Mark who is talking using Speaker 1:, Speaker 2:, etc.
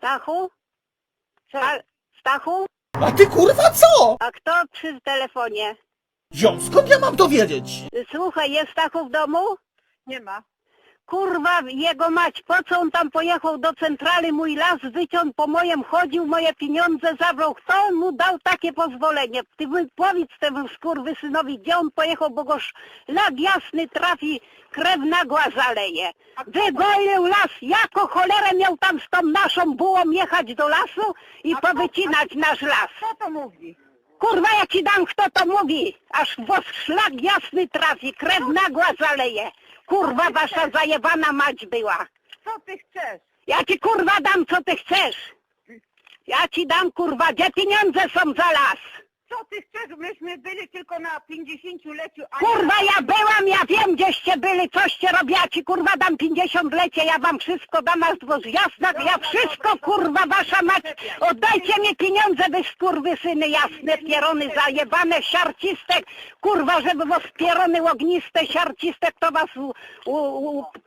Speaker 1: Stachu? Stachu?
Speaker 2: A ty kurwa co?
Speaker 1: A kto przy telefonie?
Speaker 2: Ziom, skąd ja mam to wiedzieć?
Speaker 1: Słuchaj, jest Stachu w domu?
Speaker 3: Nie ma.
Speaker 1: Kurwa, jego mać, po co on tam pojechał do centrali, mój las wyciął, po mojem chodził, moje pieniądze zabrał. Kto mu dał takie pozwolenie? Ty powiedz temu skurwysynowi, gdzie on pojechał, bo go szlak jasny trafi, krew nagła zaleje. Wygolił las, jako cholerę miał tam z tą naszą bułą jechać do lasu i powycinać nasz las.
Speaker 3: Kto to mówi?
Speaker 1: Kurwa, ja ci dam, kto to mówi, aż w szlak jasny trafi, krew nagła zaleje. Kurwa, wasza zajebana mać była.
Speaker 3: Co ty chcesz?
Speaker 1: Ja ci kurwa dam, co ty chcesz. Ja ci dam, kurwa, gdzie pieniądze są za las.
Speaker 3: Co ty chcesz? Myśmy byli tylko na 50-leciu.
Speaker 1: Kurwa, ja byłam, ja wiem, gdzieście byli, coście robię, ja ci kurwa dam 50-lecie, ja wam wszystko dam, aż do jasna, ja wszystko, kurwa, wasza mać, oddajcie mi pieniądze, wy skurwysyny jasne, pierony zajebane, siarcistek, kurwa, żeby was pierony ogniste, siarcistek, to was